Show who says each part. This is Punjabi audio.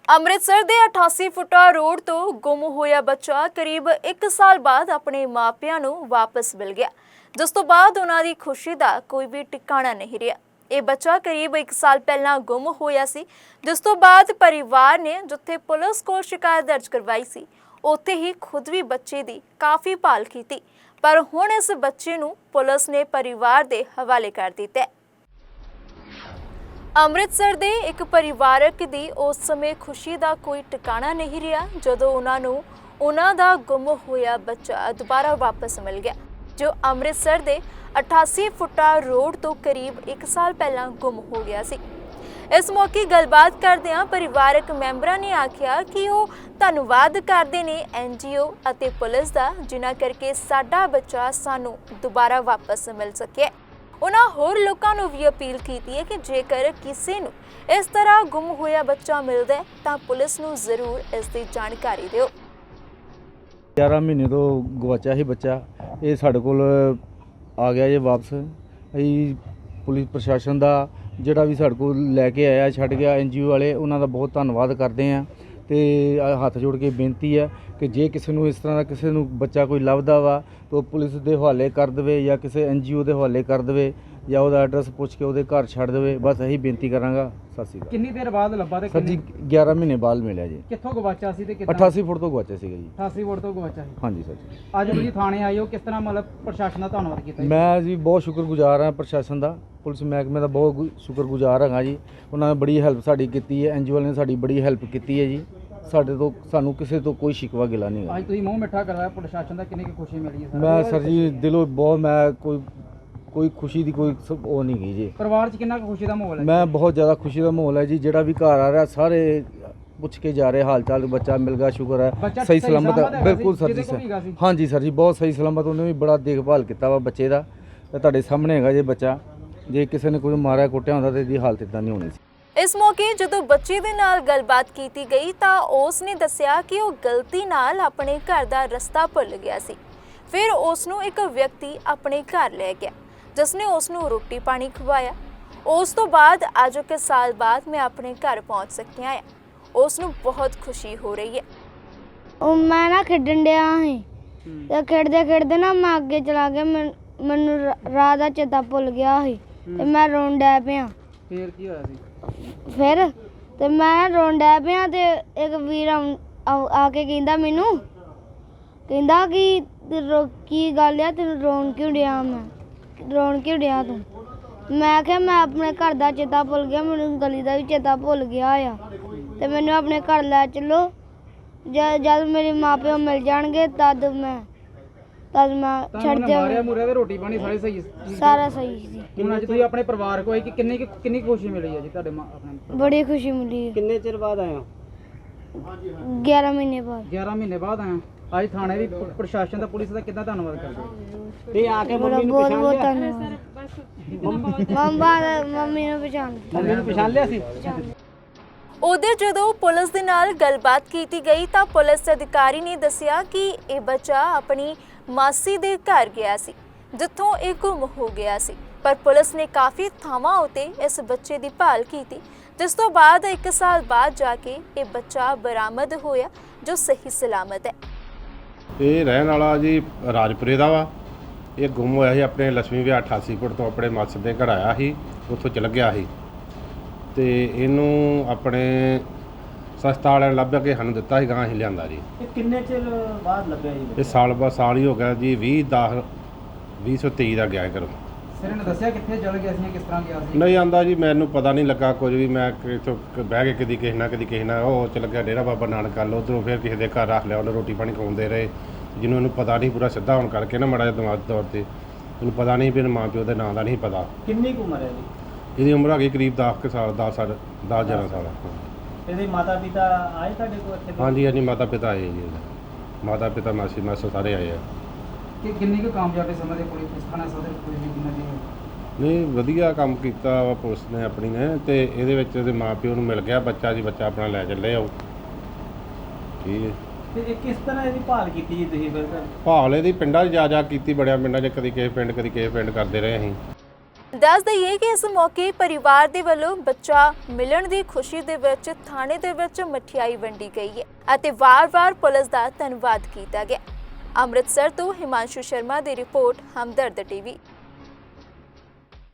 Speaker 1: ਅੰਮ੍ਰਿਤਸਰ ਦੇ 88 ਫੁੱਟਾ ਰੋਡ ਤੋਂ ਗੁੰਮ ਹੋਇਆ ਬੱਚਾ ਕਰੀਬ 1 ਸਾਲ ਬਾਅਦ ਆਪਣੇ ਮਾਪਿਆਂ ਨੂੰ ਵਾਪਸ ਮਿਲ ਗਿਆ, ਜਿਸ ਤੋਂ ਬਾਅਦ ਉਹਨਾਂ ਦੀ ਖੁਸ਼ੀ ਦਾ ਕੋਈ ਵੀ ਟਿਕਾਣਾ ਨਹੀਂ ਰਿਹਾ। ਇਹ ਬੱਚਾ ਕਰੀਬ 1 ਸਾਲ ਪਹਿਲਾਂ ਗੁੰਮ ਹੋਇਆ ਸੀ, ਜਿਸ ਤੋਂ ਬਾਅਦ ਪਰਿਵਾਰ ਨੇ ਜਿੱਥੇ ਪੁਲਿਸ ਕੋਲ ਸ਼ਿਕਾਇਤ ਦਰਜ ਕਰਵਾਈ ਸੀ, ਉੱਥੇ ਹੀ ਖੁਦ ਵੀ ਬੱਚੇ ਦੀ ਕਾਫੀ ਭਾਲ ਕੀਤੀ, ਪਰ ਹੁਣ ਇਸ ਬੱਚੇ ਨੂੰ ਪੁਲਿਸ ਨੇ ਪਰਿਵਾਰ ਦੇ ਹਵਾਲੇ ਕਰ ਦਿੱਤਾ। ਅੰਮ੍ਰਿਤਸਰ ਦੇ ਇੱਕ ਪਰਿਵਾਰਕ ਦੀ ਉਸ ਸਮੇਂ ਖੁਸ਼ੀ ਦਾ ਕੋਈ ਟਿਕਾਣਾ ਨਹੀਂ ਰਿਹਾ ਜਦੋਂ ਉਹਨਾਂ ਨੂੰ ਉਹਨਾਂ ਦਾ ਗੁੰਮ ਹੋਇਆ ਬੱਚਾ ਦੁਬਾਰਾ ਵਾਪਸ ਮਿਲ ਗਿਆ, ਜੋ ਅੰਮ੍ਰਿਤਸਰ ਦੇ 88 ਫੁੱਟਾ ਰੋਡ ਤੋਂ ਕਰੀਬ 1 ਸਾਲ ਪਹਿਲਾਂ ਗੁੰਮ ਹੋ ਗਿਆ ਸੀ। ਇਸ ਮੌਕੇ ਗੱਲਬਾਤ ਕਰਦਿਆਂ ਪਰਿਵਾਰਕ ਮੈਂਬਰਾਂ ਨੇ ਆਖਿਆ ਕਿ ਉਹ ਧੰਨਵਾਦ ਕਰਦੇ ਨੇ NGO ਅਤੇ ਪੁਲਿਸ ਦਾ, ਜਿਨ੍ਹਾਂ ਕਰਕੇ ਸਾਡਾ ਬੱਚਾ ਸਾਨੂੰ ਦੁਬਾਰਾ ਵਾਪਸ ਮਿਲ ਸਕਿਆ। ਉਹਨਾਂ ਹੋਰ ਲੋਕਾਂ ਨੂੰ ਵੀ ਅਪੀਲ ਕੀਤੀ ਹੈ ਕਿ ਜੇਕਰ ਕਿਸੇ ਨੂੰ ਇਸ ਤਰ੍ਹਾਂ ਗੁੰਮ ਹੋਇਆ ਬੱਚਾ ਮਿਲਦਾ ਹੈ ਤਾਂ ਪੁਲਿਸ ਨੂੰ ਜ਼ਰੂਰ ਇਸ ਦੀ ਜਾਣਕਾਰੀ ਦਿਓ।
Speaker 2: 11 ਮਹੀਨੇ ਤੋਂ ਗਵਾਚਿਆ ਸੀ ਬੱਚਾ, ਇਹ ਸਾਡੇ ਕੋਲ ਆ ਗਿਆ ਜੇ ਵਾਪਸ। ਅਸੀਂ ਪੁਲਿਸ ਪ੍ਰਸ਼ਾਸਨ ਦਾ ਜਿਹੜਾ ਵੀ ਸਾਡੇ ਕੋਲ ਲੈ ਕੇ ਆਇਆ ਛੱਡ ਗਿਆ, NGO ਵਾਲੇ, ਉਹਨਾਂ ਦਾ ਬਹੁਤ ਧੰਨਵਾਦ ਕਰਦੇ ਹਾਂ। ਤੇ ਹੱਥ ਜੋੜ ਕੇ ਬੇਨਤੀ ਹੈ ਕਿ ਜੇ ਕਿਸੇ ਨੂੰ ਇਸ ਤਰ੍ਹਾਂ ਦਾ ਕਿਸੇ ਨੂੰ ਬੱਚਾ ਕੋਈ ਲੱਭਦਾ ਵਾ ਤਾਂ ਉਹ ਪੁਲਿਸ ਦੇ ਹਵਾਲੇ ਕਰ ਦੇਵੇ ਜਾਂ ਕਿਸੇ NGO ਦੇ ਹਵਾਲੇ ਕਰ ਦੇਵੇ ਜਾਂ ਉਹਦਾ ਐਡਰੈਸ ਪੁੱਛ ਕੇ ਉਹਦੇ ਘਰ ਛੱਡ ਦੇਵੇ। ਬਸ ਇਹੀ ਬੇਨਤੀ ਕਰਾਂਗਾ। ਸਤਿ ਸ਼੍ਰੀ ਅਕਾਲ।
Speaker 3: ਕਿੰਨੀ ਦੇਰ ਬਾਅਦ ਲੱਭਾ ਤੇ
Speaker 2: ਸਰ ਜੀ 11 ਮਹੀਨੇ ਬਾਅਦ ਮਿਲਿਆ ਜੀ।
Speaker 3: ਕਿੱਥੋਂ ਗਵਾਚਿਆ ਸੀ ਤੇ ਕਿੱਦਾਂ?
Speaker 2: 88 ਫੁੱਟ ਤੋਂ ਗਵਾਚਿਆ ਸੀਗਾ ਜੀ।
Speaker 3: 88 ਫੁੱਟ ਤੋਂ ਗਵਾਚਿਆ ਸੀ।
Speaker 2: ਹਾਂਜੀ ਸਰ ਜੀ।
Speaker 3: ਅੱਜ ਤੁਸੀਂ ਥਾਣੇ ਆਏ ਹੋ, ਕਿਸ ਤਰ੍ਹਾਂ ਮਤਲਬ ਪ੍ਰਸ਼ਾਸਨ ਦਾ ਧੰਨਵਾਦ ਕੀਤਾ ਜੀ?
Speaker 2: ਮੈਂ ਜੀ ਬਹੁਤ ਸ਼ੁਕਰਗੁਜ਼ਾਰ ਹਾਂ ਪ੍ਰਸ਼ਾਸਨ ਦਾ, ਪੁਲਿਸ ਮਹਿਕਮੇ ਦਾ ਬਹੁਤ ਸ਼ੁਕਰਗੁਜ਼ਾਰ ਹਾਂ ਜੀ। ਉਹਨਾਂ ਨੇ ਬੜੀ ਹੈਲਪ ਸਾਡੀ ਕੀਤੀ ਹੈ, NGO ਵਾਲਿਆਂ ਨੇ ਸਾਡੀ ਬੜੀ ਹੈਲਪ ਕੀਤੀ ਹੈ ਜੀ। ਸਾਨੂੰ ਕਿਸੇ ਤੋਂ ਕੋਈ ਸ਼ਿਕਵਾ ਗਿਲਾ ਨਹੀਂ ਹੈ।
Speaker 3: ਅੱਜ ਤੁਸੀਂ ਮੂੰਹ ਮਿੱਠਾ ਕਰਵਾਇਆ ਪ੍ਰਸ਼ਾਸਨ ਦਾ, ਕਿੰਨੀ ਕੁ ਖੁਸ਼ੀ ਮਿਲੀ ਹੈ?
Speaker 2: ਮੈਂ ਸਰ ਜੀ ਦਿਲੋਂ ਬਹੁਤ, ਮੈਂ ਕੋਈ ਖੁਸ਼ੀ ਦੀ ਕੋਈ ਉਹ ਨਹੀਂ ਗਈ ਜੀ।
Speaker 3: ਪਰਿਵਾਰ 'ਚ ਕਿੰਨਾ ਕੁ ਖੁਸ਼ੀ ਦਾ ਮਾਹੌਲ ਹੈ?
Speaker 2: ਮੈਂ ਬਹੁਤ ਜ਼ਿਆਦਾ ਖੁਸ਼ੀ ਦਾ ਮਾਹੌਲ ਹੈ ਜੀ। ਜਿਹੜਾ ਵੀ ਘਰ ਆ ਰਿਹਾ ਸਾਰੇ ਪੁੱਛ ਕੇ ਜਾ ਰਹੇ ਹਾਲ ਚਾਲ, ਬੱਚਾ ਮਿਲ ਗਿਆ, ਸ਼ੁਕਰ ਹੈ, ਸਹੀ ਸਲਾਮਤ ਹੈ। ਬਿਲਕੁਲ ਸਰ ਜੀ, ਹਾਂਜੀ ਸਰ ਜੀ, ਬਹੁਤ ਸਹੀ ਸਲਾਮਤ। ਉਹਨੇ ਵੀ ਬੜਾ ਦੇਖਭਾਲ ਕੀਤਾ ਵਾ ਬੱਚੇ ਦਾ, ਤੇ ਤੁਹਾਡੇ ਸਾਹਮਣੇ ਹੈਗਾ ਜੇ ਬੱਚਾ। ਜੇ ਕਿਸੇ ਨੇ ਕੋਈ ਮਾਰਿਆ ਕੁੱਟਿਆ ਹੁੰਦਾ ਤਾਂ ਇਹਦੀ ਹਾਲਤ ਇਦਾਂ ਨਹੀਂ ਹੋਣੀ ਸੀ।
Speaker 1: ਇਸ ਮੌਕੇ ਜਦੋਂ ਬੱਚੇ ਦੇ ਨਾਲ ਗੱਲਬਾਤ ਕੀਤੀ ਗਈ ਤਾਂ ਉਸ ਨੇ ਦੱਸਿਆ ਕਿ ਉਹ ਗਲਤੀ ਨਾਲ ਆਪਣੇ ਘਰ ਦਾ ਰਸਤਾ ਭੁੱਲ ਗਿਆ ਸੀ। ਫਿਰ ਉਸ ਨੂੰ ਇੱਕ ਵਿਅਕਤੀ ਆਪਣੇ ਘਰ ਲੈ ਗਿਆ, ਜਿਸ ਨੇ ਉਸ ਨੂੰ ਰੋਟੀ ਪਾਣੀ ਖਵਾਇਆ। ਉਸ ਤੋਂ ਬਾਅਦ ਅੱਜ 1 ਸਾਲ ਬਾਅਦ ਮੈਂ ਆਪਣੇ ਘਰ ਪਹੁੰਚ ਸਕਿਆ ਹਾਂ। ਉਸ ਨੂੰ ਬਹੁਤ ਖੁਸ਼ੀ ਹੋ ਰਹੀ ਹੈ।
Speaker 4: ਉਹ ਮੈਂ ਨਾ ਖੇਡਣ ਡਿਆ ਸੀ ਤੇ ਖੇਡਦੇ ਖੇਡਦੇ ਨਾ ਮੈਂ ਅੱਗੇ ਚਲਾ ਗਿਆ, ਮੈਨੂੰ ਰਾਹ ਦਾ ਚੇਤਾ ਭੁੱਲ ਗਿਆ ਸੀ ਤੇ ਮੈਂ ਰੋਣ ਡੈ ਪਿਆ।
Speaker 3: ਫੇਰ ਕੀ ਹੋਇਆ ਸੀ?
Speaker 4: ਫਿਰ ਤੇ ਮੈਂ ਰੋਣ ਡੈ ਪਿਆ ਤੇ ਇੱਕ ਵੀਰ ਆ ਕੇ ਕਹਿੰਦਾ ਮੈਨੂੰ, ਕਹਿੰਦਾ ਕਿ ਕੀ ਗੱਲ ਆ, ਤੈਨੂੰ ਰੋਣ ਕਿਉਂ ਡਿਆ? ਮੈਂ ਰੋਣ ਕਿਉਂ ਡਿਆ ਤੂੰ? ਮੈਂ ਕਿਹਾ ਮੈਂ ਆਪਣੇ ਘਰ ਦਾ ਚੇਤਾ ਭੁੱਲ ਗਿਆ, ਮੈਨੂੰ ਗਲੀ ਦਾ ਵੀ ਚੇਤਾ ਭੁੱਲ ਗਿਆ ਆ ਤੇ ਮੈਨੂੰ ਆਪਣੇ ਘਰ ਲੈ ਚੱਲੋ। ਜਦ ਮੇਰੇ ਮਾਪਿਓ ਮਿਲ ਜਾਣਗੇ ਤਦ ਮੈਂ ਛੱਡ
Speaker 3: ਮਾਰਿਆ ਮੁਰਿਆ ਤੇ ਰੋਟੀ ਪਾਣੀ ਸਾਰੇ ਸਹੀ ਸੀ?
Speaker 4: ਸਾਰਾ ਸਹੀ ਸੀ।
Speaker 3: ਹੁਣ ਅੱਜ ਤੁਸੀਂ ਆਪਣੇ ਪਰਿਵਾਰ ਕੋਲ ਆਏ ਕਿ ਕਿੰਨੀ ਖੁਸ਼ੀ ਮਿਲੀ ਹੈ ਜੀ ਤੁਹਾਡੇ ਆਪਣੇ?
Speaker 4: ਬੜੀ ਖੁਸ਼ੀ ਮਿਲੀ।
Speaker 3: ਕਿੰਨੇ ਚਿਰ ਬਾਅਦ ਆਏ ਹੋ?
Speaker 4: 11 ਮਹੀਨੇ ਬਾਅਦ।
Speaker 3: 11 ਮਹੀਨੇ ਬਾਅਦ ਆਏ ਹੋ। ਅੱਜ ਥਾਣੇ ਵੀ ਪ੍ਰਸ਼ਾਸਨ ਦਾ, ਪੁਲਿਸ ਦਾ ਕਿੱਦਾਂ ਧੰਨਵਾਦ ਕਰਦੇ ਹੋ? ਤੇ ਆ ਕੇ
Speaker 4: ਬਹੁਤ ਬਹੁਤ ਧੰਨਵਾਦ। ਮੰਮੀ ਨੂੰ ਪਛਾਣ
Speaker 3: ਲਿਆ ਸੀ?
Speaker 1: ਉਧਰ ਜਦੋਂ ਪੁਲਿਸ ਦੇ ਨਾਲ ਗੱਲਬਾਤ ਕੀਤੀ ਗਈ ਤਾਂ ਪੁਲਿਸ ਅਧਿਕਾਰੀ ਨੇ ਦੱਸਿਆ ਕਿ ਇਹ ਬੱਚਾ ਆਪਣੀ ਮਾਸੀ ਦੇ ਘਰ ਗਿਆ ਸੀ, ਜਿੱਥੋਂ ਇਹ ਗੁੰਮ ਹੋ ਗਿਆ ਸੀ। ਪਰ ਪੁਲਿਸ ਨੇ ਕਾਫੀ ਥਾਵਾਂ ਉੱਤੇ ਇਸ ਬੱਚੇ ਦੀ ਭਾਲ ਕੀਤੀ, ਜਿਸ ਤੋਂ ਬਾਅਦ 1 ਸਾਲ ਬਾਅਦ ਜਾ ਕੇ ਇਹ ਬੱਚਾ ਬਰਾਮਦ ਹੋਇਆ, ਜੋ ਸਹੀ ਸਲਾਮਤ ਹੈ।
Speaker 5: ਇਹ ਰਹਿਣ ਵਾਲਾ ਜੀ ਰਾਜਪੁਰੇ ਦਾ ਵਾ। ਇਹ ਗੁੰਮ ਹੋਇਆ ਸੀ ਆਪਣੇ ਲక్ష్ਮੀ ਵਿਆਹ 88 ਫੁੱਟ ਤੋਂ ਆਪਣੇ ਮਾਸੜ ਦੇ ਘਰ ਆਇਆ ਸੀ, ਉੱਥੋਂ ਚਲ ਗਿਆ ਸੀ ਤੇ ਇਹਨੂੰ ਆਪਣੇ ਸੰਸਥਾ ਵਾਲਿਆਂ ਨੇ ਲੱਭ ਕੇ ਸਾਨੂੰ ਦਿੱਤਾ ਸੀ, ਗਾਂ ਅਸੀਂ ਲਿਆਂਦਾ ਜੀ।
Speaker 3: ਇਹ ਕਿੰਨੇ ਚਿਰ ਬਾਅਦ ਲੱਭਿਆ ਜੀ?
Speaker 5: ਇਹ ਸਾਲ ਹੀ ਹੋ ਗਿਆ ਜੀ। 2023 ਦਾ ਗਿਆ ਘਰੋਂ।
Speaker 3: ਸਿਰ ਨੇ ਦੱਸਿਆ ਕਿੱਥੇ ਚਲ ਗਿਆ ਸੀ, ਕਿਸ ਤਰ੍ਹਾਂ ਗਿਆ ਸੀ?
Speaker 5: ਨਹੀਂ ਆਂਦਾ ਜੀ, ਮੈਨੂੰ ਪਤਾ ਨਹੀਂ ਲੱਗਾ ਕੁਝ ਵੀ। ਮੈਂ ਇੱਥੋਂ ਬਹਿ ਕੇ ਕਦੀ ਕਿਸੇ ਨਾਲ ਉਹ ਚਲ ਗਿਆ ਡੇਰਾ ਬਾਬਾ ਨਾਨਕ ਵੱਲ, ਉੱਧਰੋਂ ਫਿਰ ਕਿਸੇ ਦੇ ਘਰ ਰੱਖ ਲਿਆ, ਉਹਨੇ ਰੋਟੀ ਪਾਣੀ ਖਵਾਉਂਦੇ ਰਹੇ। ਜਿਹਨੂੰ ਇਹਨੂੰ ਪਤਾ ਨਹੀਂ, ਪੂਰਾ ਸਿੱਧਾ ਹੋਣ ਕਰਕੇ ਨਾ ਮਾੜਾ ਜਿਹਾ ਦਿਮਾਗੀ ਤੌਰ 'ਤੇ ਇਹਨੂੰ ਪਤਾ ਨਹੀਂ ਵੀ ਮਾਂ ਪਿਓ ਦੇ ਨਾਂ ਦਾ ਨਹੀਂ ਪਤਾ।
Speaker 3: ਕਿੰਨੀ ਕੁ ਉਮਰ ਹੈ ਜੀ?
Speaker 5: ਇਹਦੀ ਉਮਰ ਹੈਗੀ ਕਰੀਬ 10 ਸਾਲ 10-11 ਸਾਲ।
Speaker 3: ਇਹਦੇ ਮਾਤਾ ਪਿਤਾ ਆਏ ਤੁਹਾਡੇ ਕੋਲ ਇੱਥੇ?
Speaker 5: ਹਾਂਜੀ ਮਾਤਾ ਪਿਤਾ ਆਏ ਜੀ। ਮਾਤਾ ਪਿਤਾ ਮਾਸੀ ਮਾਸਾ ਸਾਰੇ ਆਏ ਆ।
Speaker 3: ਕਿ ਕਿੰਨੀ ਕੁ ਕਾਮਯਾਬੀ ਸਮਝਦੇ ਪੁਲਿਸ ਥਾਣਾ ਸਦਰ ਪੁਲਿਸ ਦੀ ਕਿੰਨਾ ਦੀ?
Speaker 5: ਨਹੀਂ ਵਧੀਆ ਕੰਮ ਕੀਤਾ ਵਾ ਪੁਲਿਸ ਨੇ ਆਪਣੀ ਨੇ, ਤੇ ਇਹਦੇ ਵਿੱਚ ਇਹਦੇ ਮਾਂ ਪਿਓ ਨੂੰ ਮਿਲ ਗਿਆ ਬੱਚਾ ਜੀ। ਬੱਚਾ ਆਪਣਾ ਲੈ ਚੱਲੇ ਆਓ। ਠੀਕ ਹੈ।
Speaker 3: ਤੇ ਇਹ ਕਿਸ ਤਰ੍ਹਾਂ ਇਹਦੀ ਭਾਲ ਕੀਤੀ ਜੀ ਤੁਸੀਂ ਫਿਰ?
Speaker 5: ਭਾਲ ਇਹਦੀ ਪਿੰਡਾਂ 'ਚ ਜਾ ਕੀਤੀ, ਬੜਿਆਂ ਪਿੰਡਾਂ 'ਚ, ਕਦੀ ਕਿਸੇ ਪਿੰਡ ਕਰਦੇ ਰਹੇ ਅਸੀਂ।
Speaker 1: ਦੱਸ ਦਈਏ ਕਿ ਇਸ ਮੌਕੇ ਪਰਿਵਾਰ ਦੇ ਵੱਲੋਂ ਬੱਚਾ ਮਿਲਣ ਦੀ ਖੁਸ਼ੀ ਦੇ ਵਿੱਚ ਥਾਣੇ ਦੇ ਵਿੱਚ ਮਠਿਆਈ ਵੰਡੀ ਗਈ ਹੈ ਅਤੇ ਵਾਰ-ਵਾਰ ਪੁਲਿਸ ਦਾ ਧੰਨਵਾਦ ਕੀਤਾ ਗਿਆ। ਅੰਮ੍ਰਿਤਸਰ ਤੋਂ ਹਿਮਾਂਸ਼ੂ ਸ਼ਰਮਾ ਦੀ ਰਿਪੋਰਟ, ਹਮਦਰਦ ਟੀਵੀ।